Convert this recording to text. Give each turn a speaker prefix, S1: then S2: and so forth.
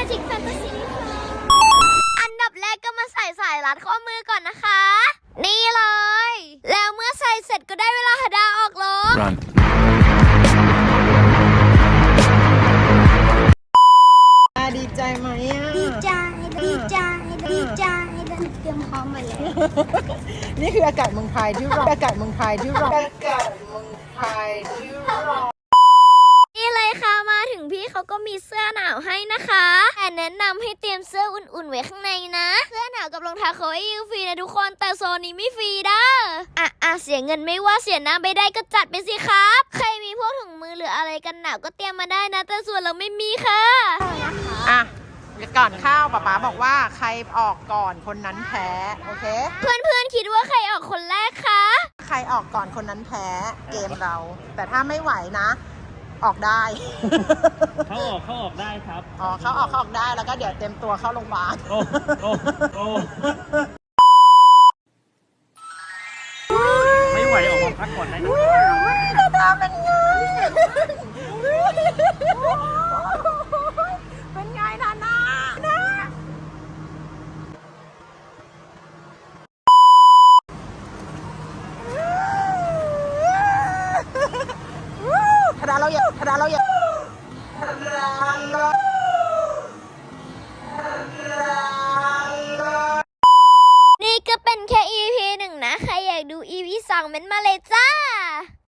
S1: จิกแฟนตาซีอันดับแรกก็มาใส่สายรัดข้อมือก่อนนะคะ นี่เลย แล้วเมื่อใส่เสร็จก็ได้เวลาหาดาออกรถ
S2: Run.
S3: ดีใจไหมอ่ะ
S1: ดีใจเตรียมพร้อมมาแล้ว
S3: นี่คืออากาศเมืองไทยที่ร้อนอากาศเมืองไทยที่ร้อนอากาศเมืองไทยที่ร้อน
S1: นี่เลยค่ะมาถึงพี่เขาก็มีเสื้อหนาวให้นะคะแต่แนะนำให้เตรียมเสื้ออุ่นๆไว้ข้างในนะเสื้อหนาวกับรองเท้าเขาให้ยืมฟรีนะทุกคนแต่โซนนี้ไม่ฟรีเด้อเสียเงินไม่ว่าเสียน้ำไม่ได้ก็จัดไปสิครับใครมีพวกถุงมือหรืออะไรกันหนาวก็เตรียมมาได้นะแต่ส่วนเราไม่มีค่ะ
S3: อ่ะก่อนเข้าป๊าป๊าบอกว่าใครออกก่อนคนนั้นแพ้โอเค
S1: เพื่อนๆคิดว่าใครออกคนแรกคะ
S3: ใครออกก่อนคนนั้นแพ้เกมเรา แต่ถ้าไม่ไหวนะ ออกได้
S2: เขาออกได้ครับ
S3: อ๋อเขาออกได้แล้วก็เดี๋ยวเต็มตัวเข้าโรงพยาบาล
S2: โอ้โอ้ไม่ไหวออกมาพักก่อนได้นะ
S3: หน้าตาเป็นไง เป็นไงนานาธนาเราอย่าธนาเราอย่าธนาเรา
S1: นี่ก็เป็นแค่ EP 1นะใครอยากดู EP 2เม้นมาเลยจ้า